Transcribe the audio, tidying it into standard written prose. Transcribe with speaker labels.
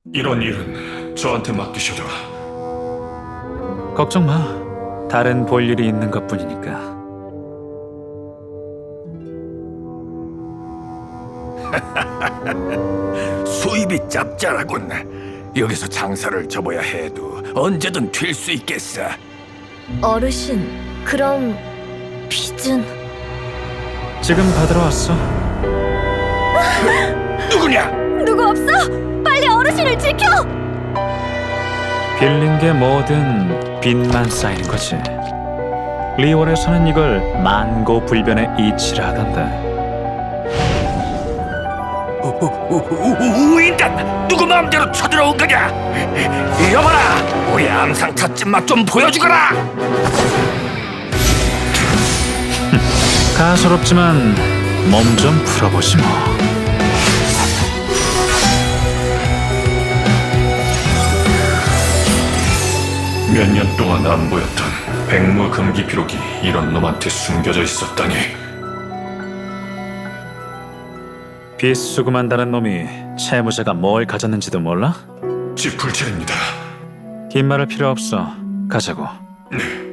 Speaker 1: 이런 일은 저한테 맡기셔도.
Speaker 2: 걱정 마. 다른 볼 일이 있는 것뿐이니까.
Speaker 3: 수입이 짭짤하군. 여기서 장사를 접어야 해도 언제든 튈 수 있겠어.
Speaker 4: 어르신, 그럼 빚은?
Speaker 2: 지금 받으러 왔어.
Speaker 3: 누구냐?
Speaker 4: 누구 없어? 빨리 어르신을 지켜!
Speaker 2: 빌린 게 뭐든 빚만 쌓이는 거지. 리월에서는 이걸 만고불변의 이치라 하던데.
Speaker 3: 우인단! 누구 마음대로 쳐들어온 거냐? 여봐라! 우리 암상타 찐맛 좀 보여주거라!
Speaker 2: 가소롭지만 몸 좀 풀어보지 뭐.
Speaker 1: 몇 년 동안 안 보였던 백무 금기 기록이 이런 놈한테 숨겨져 있었다니.
Speaker 2: 빚 수금한다는 놈이 채무자가 뭘 가졌는지도 몰라?
Speaker 1: 지풀칠입니다.
Speaker 2: 긴 말할 필요 없어. 가자고.
Speaker 1: 네.